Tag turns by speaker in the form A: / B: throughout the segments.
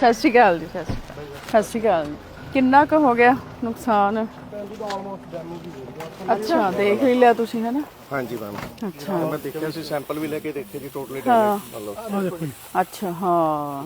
A: ਸਤਿ ਸ਼੍ਰੀ ਅਕਾਲ ਜੀ। ਸਤਿ ਸ਼੍ਰੀ ਅਕਾਲ ਜੀ। ਕਿੰਨਾ ਕੁ ਹੋ ਗਿਆ ਨੁਕਸਾਨ? ਅੱਛਾ, ਦੇਖ ਹੀ ਲਿਆ ਤੁਸੀਂ ਹੈ ਨਾ?
B: ਹਾਂਜੀ ਮੈਮ।
A: ਅੱਛਾ,
B: ਮੈਂ ਦੇਖਿਆ ਸੀ, ਸੈਂਪਲ ਵੀ ਲੈ ਕੇ ਦੇਖੇ ਜੀ, ਟੋਟਲੀ ਡੈਮੇਜ ਮਤਲਬ।
A: ਅੱਛਾ ਹਾਂ।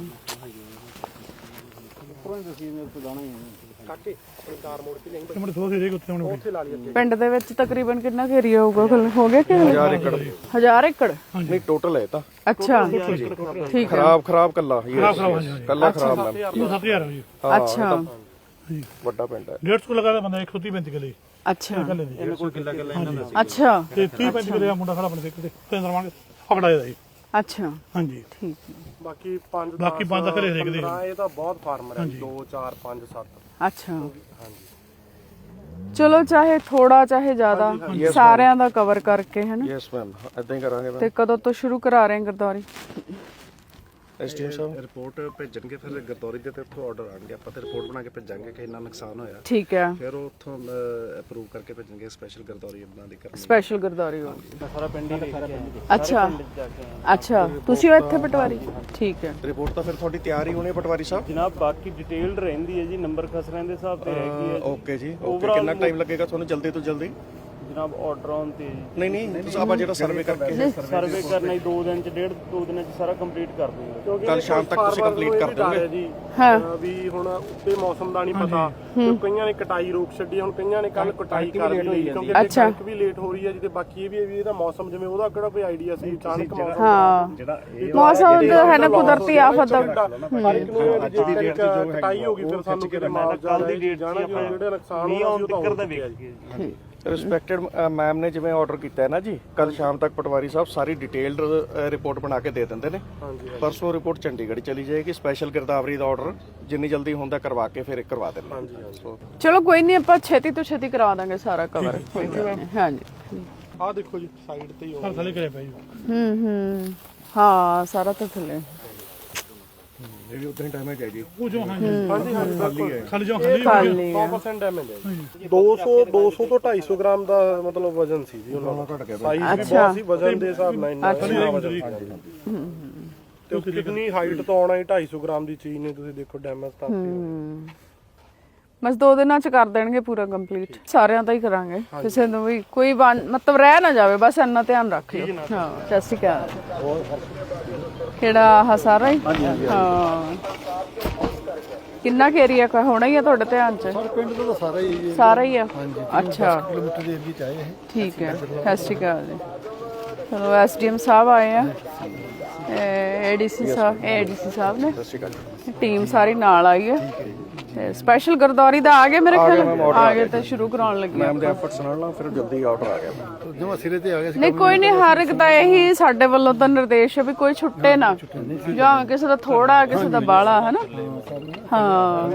A: ਪਿੰਡ ਦੇ ਵਿੱਚ ਤਕਰੀਬਨ ਕਿੰਨਾ ਕੁ ਏਰੀਆ ਹੋਊਗਾ? ਹੋ ਗਿਆ ਕਿ
B: 1000 ਏਕੜ
A: 1000 ਏਕੜ?
B: ਨਹੀਂ ਟੋਟਲ ਹੈ ਤਾਂ।
A: ਅੱਛਾ ਠੀਕ ਹੈ।
B: ਖਰਾਬ ਕੱਲਾ ਕੱਲਾ ਖਰਾਬ ਮੈਮ।
C: 7000 ਹੈ ਜੀ।
A: ਅੱਛਾ
B: ਵੱਡਾ ਪਿੰਡ ਹੈ।
C: 150 ਲਗਾ ਬੰਦਾ 135 ਕਿਲੇ
A: ਅੱਛਾ
B: ਇਹਨਾਂ ਕੋਲ ਕਿੱਲਾ ਇਹਨਾਂ
A: ਅੱਛਾ
C: ਤੇ 30-35 ਕਿਲੇ ਦਾ ਮੁੰਡਾ ਖੜਾ ਆਪਣੇ ਤੇ ਤਿੰਨ ਰਵਾਂਗੇ ਫਕੜਾਇਆ ਜੀ।
A: ਅੱਛਾ
C: ਹਾਂਜੀ
A: ਠੀਕ ਹੈ।
D: ਬਾਕੀ 5
C: ਤਾਂ ਘਰੇ ਦੇਖਦੇ
D: ਇਹ ਤਾਂ ਬਹੁਤ ਫਾਰਮਰ ਹੈ 2 4 5 7।
A: ਅੱਛਾ ਚਲੋ ਚਾਹੇ ਥੋੜਾ ਚਾਹੇ ਜ਼ਿਆਦਾ ਸਾਰਿਆਂ ਦਾ ਕਵਰ ਕਰਕੇ ਹੈ ਨਾ?
B: ਯੈਸ ਮੈਮ, ਇਦਾਂ ਹੀ ਕਰਾਂਗੇ ਮੈਮ।
A: ਤੇ ਕਦੋਂ ਤੋਂ ਸ਼ੁਰੂ ਕਰਾ ਰਹੇ ਗਰਦੌਰੀ?
B: ਐਸਟੀਐਮ ਸਾਹਿਬ
E: ਰਿਪੋਰਟ ਭੇਜਣਗੇ, ਫਿਰ ਗਰਦੌਰੀ ਦੇ ਤੇ ਉੱਥੋਂ ਆਰਡਰ ਆਣਗੇ, ਆਪਾਂ ਤੇ ਰਿਪੋਰਟ ਬਣਾ ਕੇ ਭੇਜਾਂਗੇ ਕਿ ਇੰਨਾ ਨੁਕਸਾਨ ਹੋਇਆ।
A: ਠੀਕ ਹੈ।
E: ਫਿਰ ਉਹ ਉੱਥੋਂ ਅਪਰੂਵ ਕਰਕੇ ਭੇਜਣਗੇ, ਸਪੈਸ਼ਲ ਗਰਦੌਰੀ ਬਣਾ ਦੀ ਕਰਨੀ।
A: ਸਪੈਸ਼ਲ ਗਰਦੌਰੀ ਹੋਊਗੀ।
D: ਸਾਰਾ ਪਿੰਡ ਹੀ
A: ਅੱਛਾ ਅੱਛਾ, ਤੁਸੀਂ ਹੋ ਇੱਥੇ ਪਟਵਾਰੀ? ਠੀਕ ਹੈ।
B: ਰਿਪੋਰਟ ਤਾਂ ਫਿਰ ਤੁਹਾਡੀ ਤਿਆਰ ਹੀ ਹੋਣੀ ਪਟਵਾਰੀ ਸਾਹਿਬ?
D: ਜਨਾਬ ਬਾਕੀ ਡਿਟੇਲਡ ਰਹਿੰਦੀ ਹੈ ਜੀ, ਨੰਬਰ ਖਸਰਿਆਂ ਦੇ ਹਿਸਾਬ ਤੇ ਹੈਗੀ ਹੈ।
B: ਓਕੇ ਜੀ, ਓਕੇ। ਕਿੰਨਾ ਟਾਈਮ ਲੱਗੇਗਾ ਤੁਹਾਨੂੰ ਜਲਦੀ ਤੋਂ ਜਲਦੀ?
D: ਜਨਾਬ ਆਰਡਰ ਆਨ ਤੇ
B: ਨਹੀਂ ਤੁਸੀਂ ਆਪਾਂ ਜਿਹੜਾ ਸਰਵੇ ਕਰਕੇ
D: ਸਰਵੇ ਕਰਨਾ ਹੀ 2 ਦਿਨ ਚ 2 ਦਿਨਾਂ ਚ ਸਾਰਾ ਕੰਪਲੀਟ ਕਰ ਦੂੰਗਾ।
B: ਕੱਲ ਸ਼ਾਮ ਤੱਕ ਤੁਸੀਂ ਕੰਪਲੀਟ ਕਰ ਦੋਗੇ
D: ਜੀ।
A: ਹਾਂ
D: ਵੀ ਹੁਣ ਉੱਤੇ ਮੌਸਮ ਦਾ ਨਹੀਂ ਪਤਾ, ਤੇ ਕਈਆਂ ਨੇ ਕਟਾਈ ਰੋਕ ਛੱਡੀ, ਹੁਣ ਕਈਆਂ ਨੇ ਕੱਲ ਕਟਾਈ ਕਰ ਲਈ ਕਿਉਂਕਿ ਕਣਕ ਵੀ ਲੇਟ ਹੋ ਰਹੀ ਹੈ ਜੀ। ਤੇ ਬਾਕੀ ਇਹ ਵੀ ਇਹਦਾ ਮੌਸਮ ਜਿਵੇਂ ਉਹਦਾ ਕਿਹੜਾ ਕੋਈ ਆਈਡੀਆ ਸੀ, ਅਚਾਨਕ ਮੌਸਮ
A: ਹਾਂ
E: ਜਿਹੜਾ
A: ਮੌਸਮ ਦਾ ਹੈ ਨਾ ਕੁਦਰਤੀ ਆਫਤ ਦਾ।
D: ਅੱਜ ਦੀ ਡੇਟ ਜੋ ਕਟਾਈ ਹੋ ਗਈ, ਫਿਰ ਸਾਨੂੰ ਕਿਤੇ ਮਾਲ ਦੀ ਡੇਟ ਜਾਣਾ ਜਿਹੜਾ ਨੁਕਸਾਨ ਹੋਇਆ ਉਹ ਤਾਂ ਵੇਖ
B: ਰਿਸਪੈਕਟਡ ਮੈਮ ਨੇ ਜਿਵੇਂ ਆਰਡਰ ਕੀਤਾ ਹੈ ਨਾ ਜੀ, ਕੱਲ ਸ਼ਾਮ ਤੱਕ ਪਟਵਾਰੀ ਸਾਹਿਬ ਸਾਰੀ ਡਿਟੇਲਡ ਰਿਪੋਰਟ ਬਣਾ ਕੇ ਦੇ ਦਿੰਦੇ ਨੇ। ਪਰਸੋਂ ਰਿਪੋਰਟ ਚੰਡੀਗੜ੍ਹ ਚਲੀ ਜਾਏਗੀ। ਸਪੈਸ਼ਲ ਗਿਰਦਾਵਰੀ ਦਾ ਆਰਡਰ ਜਿੰਨੀ ਜਲਦੀ ਹੁੰਦਾ ਕਰਵਾ ਕੇ ਫਿਰ ਕਰਵਾ ਦੇਣਾ।
A: ਚਲੋ ਕੋਈ ਨਹੀਂ, ਆਪਾਂ ਛੇਤੀ ਤੋਂ ਛੇਤੀ ਕਰਾ ਦਾਂਗੇ ਸਾਰਾ ਕਵਰ। ਹਾਂਜੀ
D: ਆਹ ਦੇਖੋ ਜੀ ਸਾਈਡ ਤੇ ਹੀ ਹੋ
C: ਥੱਲੇ ਕਰਿਆ ਪਿਆ ਜੀ।
A: ਹਾਂ ਸਾਰਾ ਤਾਂ ਥੱਲੇ
B: ਇਹ ਵੀ ਉਦਾਂ ਹੀ ਡੈਮੇਜ ਹੈ ਜੀ।
C: ਉਹ ਜੋ ਹਾਂਜੀ ਖਾਲੀ ਜੋ
A: ਖਾਲੀ
D: 100% ਡੈਮੇਜ ਹੈ ਜੀ। 200 ਤੋਂ 250 ਗ੍ਰਾਮ ਦਾ ਮਤਲਬ ਵਜ਼ਨ ਸੀ ਜੀ ਉਹਨਾਂ ਦਾ।
B: ਘਟ ਗਿਆ
D: ਸਾਈਜ਼ ਵੀ ਬਹੁਤ ਸੀ, ਵਜ਼ਨ ਦੇ ਹਿਸਾਬ ਨਾਲ ਇੰਨਾ ਵਜ਼ਨ। ਤੇ ਉਹ ਕਿੰਨੀ ਹਾਈਟ ਤੋਂ ਆਉਣਾ ਹੀ 250 ਗ੍ਰਾਮ ਦੀ ਚੀਜ਼ ਨੇ, ਤੁਸੀਂ ਦੇਖੋ ਡੈਮੇਜ ਤਾਂ
A: ਬਸ 2 ਦਿਨਾਂ ਚ ਕਰ ਦੇਣਗੇ ਪੂਰਾ ਕੰਪਲੀਟ। ਸਾਰਿਆਂ ਦਾ ਹੀ ਕਰਾਂਗੇ, ਕਿਸੇ ਨੂੰ ਵੀ ਕੋਈ ਮਤਲਬ ਰਹਿ ਨਾ ਜਾਵੇ, ਬਸ ਇੰਨਾ ਧਿਆਨ ਰੱਖ ਲਿਓ। ਹਾਂ ਸਤਿ ਸ਼੍ਰੀ ਅਕਾਲ। ਕਿਹੜਾ ਆਹ ਸਾਰਾ ਹੀ? ਹਾਂ ਕਿੰਨਾ ਕੁ ਏਰੀਆ ਹੋਣਾ ਹੀ ਆ ਤੁਹਾਡੇ ਧਿਆਨ ਚ?
F: ਪਿੰਡ ਦਾ
A: ਸਾਰਾ ਹੀ ਆ। ਅੱਛਾ
F: ਕਿਲੋਮੀਟਰ ਦੇ ਏਰੀਆ ਚ ਆਏ ਹੈ।
A: ਠੀਕ ਹੈ। ਸਤਿ ਸ਼੍ਰੀ ਅਕਾਲ ਜੀ। ਚਲੋ ਐਸਡੀਐਮ ਸਾਹਿਬ ਆਏ ਆ, ਏਡੀਸੀ ਸਾਹਿਬ ਨੇ, ਟੀਮ ਸਾਰੀ ਨਾਲ ਆਈ ਹੈ। ਸਪੈਸ਼ਲ ਗਰਦੌਰੀ ਦਾ ਆ ਗਏ ਮੇਰੇ ਖਿਆਲ, ਆ ਗਏ ਤੇ ਸ਼ੁਰੂ ਕਰਾਉਣ ਲੱਗੇ।
B: ਮੈਮ ਦੇ ਐਫਰਟਸ ਨਾਲ ਫਿਰ ਜਲਦੀ ਆਰਡਰ ਆ ਗਿਆ।
F: ਜਮਾ ਸਿਰੇ ਤੇ ਆ ਗਿਆ ਸੀ।
A: ਨਹੀਂ ਕੋਈ ਨਹੀਂ, ਹਰ ਇੱਕ ਦਾ ਇਹੀ ਸਾਡੇ ਵੱਲੋਂ ਤਾਂ ਨਿਰਦੇਸ਼ ਹੈ ਵੀ ਕੋਈ ਛੁੱਟੇ ਨਾ, ਜਾਂ ਕਿਸੇ ਦਾ ਥੋੜਾ ਕਿਸੇ ਦਾ ਬਾਹਲਾ ਹੈ ਨਾ। ਹਾਂ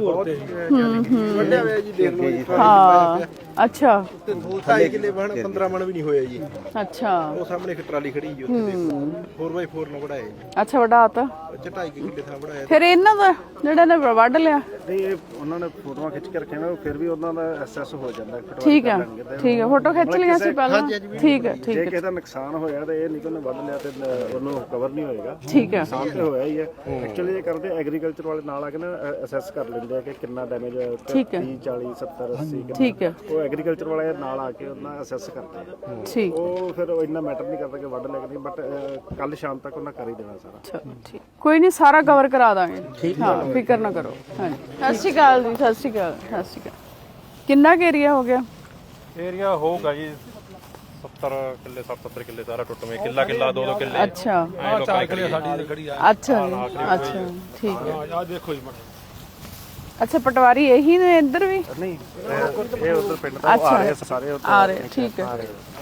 F: ਵੱਡਿਆ ਹੋਇਆ ਜੀ, ਦੇਖ ਲਓ ਜੀ।
A: ਹਾਂ ਅੱਛਾ
F: 2.5 ਕਿੱਲੇ ਬਣ 15 ਮਣ ਵੀ ਨਹੀਂ ਹੋਇਆ ਜੀ।
A: ਅੱਛਾ
F: ਉਹ ਸਾਹਮਣੇ ਇੱਕ ਟਰਾਲੀ ਖੜੀ ਜੀ, ਉੱਥੇ ਦੇਖੋ 4x4 ਨਾਲ ਵੜਾਇਆ ਜੀ।
A: ਅੱਛਾ ਵੱਡਾ ਤਾਂ
F: 2.5 ਕਿੱਲੇ ਥਾਂ ਵੜਾਇਆ।
A: ਫਿਰ ਇਹਨਾਂ ਦਾ ਜਿਹੜੇ ਨੇ ਵੱਢ ਲਿਆ?
E: ਨਹੀਂ, ਇਹ ਉਹਨਾਂ ਨੇ ਫੋਟੋਆਂ ਖਿੱਚ ਕੇ ਰੱਖੀਆਂ ਨੇ, ਫਿਰ ਵੀ ਉਹਨਾਂ ਦਾ ਐਸਐਸ ਹੋ ਜਾਂਦਾ।
A: ਠੀਕ ਹੈ ਠੀਕ ਹੈ, ਫੋਟੋ ਖਿੱਚ ਲਿਆ ਸੀ ਪਹਿਲਾਂ। ਠੀਕ ਹੈ ਠੀਕ
E: ਜੇ
A: ਹੈ
E: ਕਿਸੇ ਦਾ ਨੁਕਸਾਨ ਹੋਇਆ ਤਾਂ ਇਹ ਨਹੀਂ ਕਿ ਉਹਨੇ ਵੱਢ ਲਿਆ ਤੇ ਉਹਨੂੰ ਕਵਰ ਨਹੀਂ ਹੋਏਗਾ।
A: ਠੀਕ ਹੈ
E: ਨੁਕਸਾਨ ਤੇ ਹੋਇਆ ਹੀ ਹੈ। ਐਕਚੁਅਲੀ ਇਹ ਕਰਦੇ ਐਗਰੀਕਲਚਰ ਵਾਲੇ ਨਾਲ ਆ ਕੇ ਨਾ ਅਸੈਸ ਕਰ ਲੈਂਦੇ ਆ ਕਿ ਕਿੰਨਾ ਡੈਮੇਜ ਹੋਇਆ।
A: ਠੀਕ ਹੈ।
E: 30 40 70 80
A: ਠੀਕ ਹੈ
E: ਉਹ ਐਗਰੀਕਲਚਰ ਵਾਲੇ ਨਾਲ ਆ ਕੇ ਉਹਨਾਂ ਅਸੈਸ ਕਰਦੇ ਆ।
A: ਠੀਕ
E: ਉਹ ਫਿਰ ਉਹ ਇੰਨਾ ਮੈਟਰ ਨਹੀਂ ਕਰਦਾ ਕਿ ਵੱਢ ਲਿਆ ਕਿ ਨਹੀਂ, ਬਟ ਕੱਲ ਸ਼ਾਮ ਤੱਕ ਉਹਨਾਂ ਕਰ ਹੀ ਦੇਣਾ ਸਾਰਾ।
A: ਠੀਕ ਕੋਈ ਨਹੀਂ, ਸਾਰਾ ਕਵਰ ਕਰਾ ਦਾਂਗੇ। ਹਾਂ ਫਿਕਰ ਨਾ ਕਰੋ। ਹਾਂਜੀ ਸਤਿ ਸ਼੍ਰੀ ਅਕਾਲ ਜੀ। ਸਤਿ ਸ਼੍ਰੀ ਅਕਾਲ। ਸਤਿ ਸ਼੍ਰੀ ਅਕਾਲ। ਕਿੰਨਾ ਕੁ ਏਰੀਆ ਹੋ ਗਿਆ?
G: ਏਰੀਆ ਹੋਊਗਾ ਜੀ 70 ਕਿੱਲੇ 70 ਕਿੱਲੇ ਸਾਰਾ ਟੁੱਟਵੇਂ, ਕਿੱਲਾ 2 ਕਿੱਲੇ।
A: ਅੱਛਾ
G: 4 ਕਿੱਲੇ ਸਾਡੀ ਖੜੀ ਆ।
A: ਅੱਛਾ ਜੀ ਅੱਛਾ ਠੀਕ ਹੈ।
C: ਆ ਦੇਖੋ ਜੀ
A: ਅੱਛਾ ਪਟਵਾਰੀ ਇਹੀ ਨੇ ਇੱਧਰ ਵੀ?
E: ਨਹੀਂ, ਇਹ ਉਧਰ ਪਿੰਡ ਤੋਂ ਆ ਰਹੇ ਸਾਰੇ ਉੱਧਰ
A: ਆ ਰਹੇ। ਠੀਕ ਹੈ।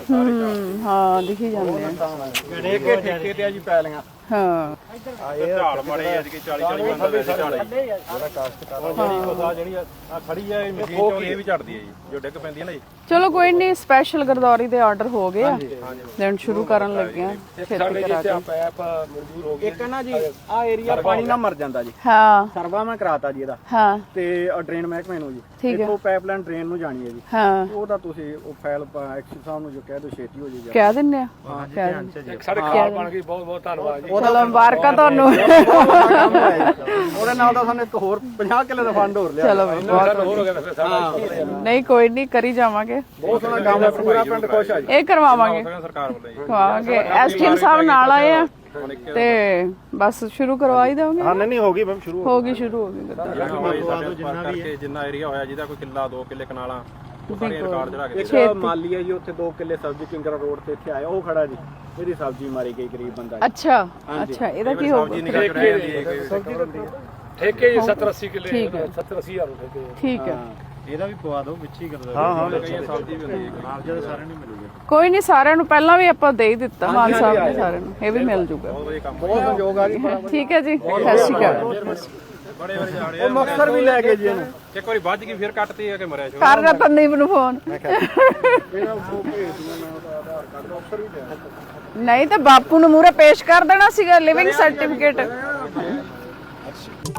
A: ਹਾਂ ਦਿਖੀ ਜਾਂਦੇ ਆ।
F: ਠੇਕੇ ਤੇ ਆ ਜੀ ਪੈਲੀਆਂ।
A: ਹਾਂ
G: ਇਹ ਝਾੜ ਮਾੜੇ ਅੱਜ ਕੇ 40 ਬੰਦਾ ਵੈਸੇ ਝਾੜ ਹੈ ਜਿਹੜਾ ਕਾਸ਼ਤਕਾਰ ਜਿਹੜੀ ਆ ਖੜੀ ਆ ਇਹ ਮਸ਼ੀਨ ਚੋਂ ਇਹ ਵੀ ਝੜਦੀ ਹੈ ਜੀ, ਜੋ ਡਿੱਗ ਪੈਂਦੀ ਹੈ ਨਾ ਜੀ।
A: ਚਲੋ ਕੋਈ ਨਹੀਂ, ਸਪੈਸ਼ਲ ਗਰਦੌਰੀ ਦੇ ਆਰਡਰ ਹੋ ਗਏ ਆ, ਦੇਣ ਸ਼ੁਰੂ ਕਰਨ ਲੱਗੇ ਆ ਛੇਤੀ ਕਰਾ ਕੇ।
F: ਪੈਪ ਮਨਜ਼ੂਰ ਹੋ ਗਏ ਇੱਕ ਨਾ ਜੀ ਆ ਏਰੀਆ ਪਾਣੀ ਨਾਲ ਮਰ ਜਾਂਦਾ ਜੀ।
A: ਹਾਂ
F: ਸਰਵਾ ਮੈਂ ਕਰਾਤਾ ਜੀ ਇਹਦਾ
A: ਹਾਂ
F: ਤੇ ਡਰੇਨ ਮਹਿਕਮੇ ਨੂੰ ਜੀ।
A: ਠੀਕ ਹੈ।
F: ਇੱਥੋਂ ਪਾਈਪਲਾਈਨ ਡਰੇਨ ਨੂੰ ਜਾਣੀ ਹੈ ਜੀ।
A: ਹਾਂ
F: ਉਹਦਾ ਤੁਸੀਂ ਉਹ ਫਾਈਲ ਐਕਸ਼ਨ ਸਾਹਿਬ ਨੂੰ ਜੋ ਕਹਿ ਦਿਓ ਛੇਤੀ ਹੋ ਜਾਏਗਾ।
A: ਕਹਿ ਦਿੰਨੇ ਆ, ਕਹਿ ਦਿੰਦੇ।
F: ਸਾਡੇ ਖਾਲ ਬਣ ਗਈ, ਬਹੁਤ ਬਹੁਤ ਧੰਨਵਾਦ ਜੀ।
A: ਚਲੋ ਮੁਬਾਰਕਾਂ ਤੁਹਾਨੂੰ।
F: ਉਹਦੇ ਨਾਲ ਤਾਂ ਸਾਨੂੰ ਇੱਕ ਹੋਰ 50 ਕਿੱਲੇ ਦਾ ਫੰਡ ਹੋਰ ਲਿਆ।
A: ਚਲੋ ਨਹੀਂ ਕੋਈ ਨਹੀਂ, ਕਰੀ ਜਾਵਾਂਗੇ।
F: ਬਹੁਤ ਸੋਹਣਾ ਕੰਮ ਹੈ, ਪੂਰਾ ਪਿੰਡ ਖੁਸ਼ ਆ ਜੀ।
A: ਇਹ ਕਰਵਾਵਾਂਗੇ
G: ਸਰਕਾਰ ਵੱਲੋਂ ਜੀ।
A: ਕਰਵਾਵਾਂਗੇ। ਐਸਟੀਐਮ ਸਾਹਿਬ ਨਾਲ ਆਏ ਆ ਤੇ ਬਸ ਸ਼ੁਰੂ ਕਰਵਾ ਹੀ ਦੇਵਾਂਗੇ।
E: ਹਾਂ ਨਹੀਂ ਹੋ ਗਈ ਮੈਮ ਸ਼ੁਰੂ
A: ਹੋ ਗਈ, ਸ਼ੁਰੂ ਹੋ ਗਈ ਗੱਡੀ।
G: ਜਿੰਨਾ ਏਰੀਆ ਹੋਇਆ ਜਿਹਦਾ ਕੋਈ ਕਿੱਲਾ 2 ਕਿੱਲੇ ਕਨਾਲਾਂ ਉਹ ਸਾਰੇ ਰਿਕਾਰਡ ਚੜਾ ਕੇ
F: ਇੱਕ ਮਾਲੀ ਹੈ ਜੀ, ਉੱਥੇ 2 ਕਿੱਲੇ ਸਬਜ਼ੀ ਕਿੰਗਰਾ ਰੋਡ ਤੇ ਇੱਥੇ ਆਇਆ, ਉਹ ਖੜਾ ਜੀ। ਇਹਦੀ ਸਬਜ਼ੀ ਮਾਰੀ ਗਈ ਗਰੀਬ ਬੰਦਾ ਜੀ।
A: ਅੱਛਾ ਅੱਛਾ, ਇਹਦਾ ਕੀ ਹੋਊਗਾ?
C: ਠੇਕੇ ਜੀ 70-80 ਕਿੱਲੇ,
A: ਠੀਕ ਹੈ
C: 70-80,000 ਠੇਕੇ।
A: ਠੀਕ ਹੈ,
E: ਇਹਦਾ ਵੀ ਪਵਾ ਦਿਓ ਵਿੱਚ ਹੀ ਕਰਦਾ।
B: ਹਾਂ
G: ਸਬਜ਼ੀ ਵੀ ਹੁੰਦੀ ਹੈ।
E: ਨਾਲ ਜਦੋਂ ਸਾਰਿਆਂ ਨੂੰ ਮਿਲੂਗਾ।
A: ਕੋਈ ਨਹੀਂ, ਸਾਰਿਆਂ ਨੂੰ ਪਹਿਲਾਂ ਵੀ ਆਪਾਂ ਦੇ ਹੀ ਦਿੱਤਾ ਮਾਨ ਸਾਹਿਬ ਨੇ ਸਾਰਿਆਂ ਨੂੰ, ਇਹ ਵੀ ਮਿਲ ਜੂਗਾ।
F: ਬਹੁਤ ਸੰਯੋਗ ਆ ਗਈ।
A: ਠੀਕ ਹੈ ਜੀ, ਸਤਿ ਸ਼੍ਰੀ ਅਕਾਲ।
G: ਬੜੇ ਵਾਰੀ ਜਾਣੇ
F: ਉਹ ਮਕਸਰ ਵੀ ਲੈ ਕੇ ਜੀ ਇਹਨੂੰ।
G: ਇੱਕ ਵਾਰੀ ਵੱਜ ਗਈ ਫਿਰ ਕੱਟਤੀ ਹੈ ਕਿ ਮਰਿਆ ਸ਼ੋ।
A: ਕਰ ਰਤਨਦੀਪ ਨੂੰ ਫੋਨ। ਨਹੀਂ ਤਾਂ ਬਾਪੂ ਨੂੰ ਮੂਹਰੇ ਪੇਸ਼ ਕਰ ਦੇਣਾ ਸੀਗਾ ਲਿਵਿੰਗ ਸਰਟੀਫਿਕੇਟ।